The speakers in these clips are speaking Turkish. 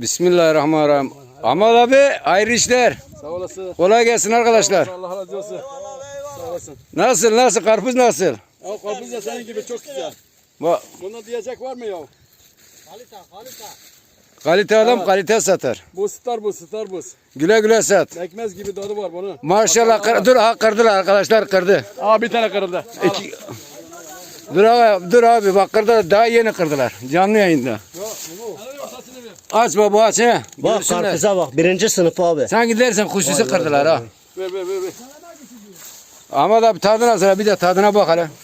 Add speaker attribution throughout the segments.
Speaker 1: Bismillahirrahmanirrahim. Ahmet abi hayırlı işler.
Speaker 2: Sağ olasın.
Speaker 1: Kolay gelsin arkadaşlar.
Speaker 2: Allah razı olsun. Sağ olasın.
Speaker 1: Nasıl karpuz nasıl?
Speaker 2: Ya karpuz da senin gibi çok güzel. Buna diyecek var mı ya?
Speaker 1: Kalite adam
Speaker 2: Evet.
Speaker 1: kalite satar.
Speaker 2: Bu Starbus.
Speaker 1: Güle güle sat.
Speaker 2: Ekmez gibi tadı var bunun.
Speaker 1: Maşallah kırdılar arkadaşlar kırdı.
Speaker 2: Aa bir tane kırıldı.
Speaker 1: Dur abi bak kırdılar daha yeni kırdılar. Canlı yayında. Aç baba aç he.
Speaker 3: Bak
Speaker 1: Görsünler.
Speaker 3: karpuza bak. Birinci sınıf abi.
Speaker 1: Sen gidersen kuşusu kırdılar ha.
Speaker 2: Ver.
Speaker 1: Ahmet abi tadı nasıl? Bir de tadına bak hele.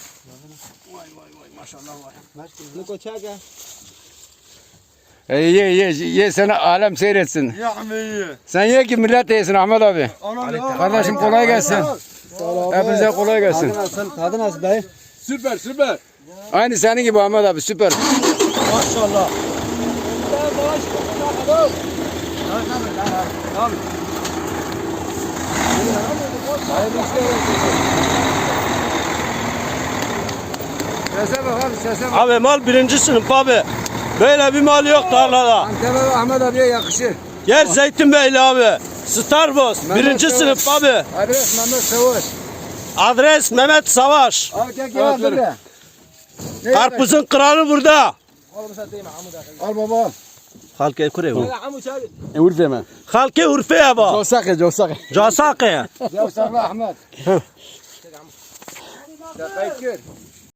Speaker 1: Ye sana alem seyretsin. Sen ye ki millet yesin Ahmet abi. Kardeşim kolay gelsin. Hepinize kolay gelsin.
Speaker 3: Tadı nasıl dayı?
Speaker 2: Süper.
Speaker 1: Aynı senin gibi Ahmet abi süper.
Speaker 3: Maşallah.
Speaker 1: Sese bak abi sese bak.
Speaker 3: Abi mal birinci sınıf abi. Böyle bir mal yok tarlada.
Speaker 1: Antep abi Ahmet abiye yakışır.
Speaker 3: Gel Zeytinbeyli abi. Starbus.
Speaker 1: Mehmet
Speaker 3: Birinci
Speaker 1: Savaş.
Speaker 3: sınıf abi.
Speaker 1: Adres Mehmet Savaş.
Speaker 3: Adres Mehmet Savaş.
Speaker 1: Al gel gel.
Speaker 3: Karpuzun kralı burada.
Speaker 1: Al baba.
Speaker 3: Halke kureye bu.
Speaker 2: Urfe hemen.
Speaker 3: Halke Urfe'ye bak.
Speaker 2: Cosake.
Speaker 3: Casak'e.
Speaker 1: Ya sabah Ahmet. Ya kayıt gör.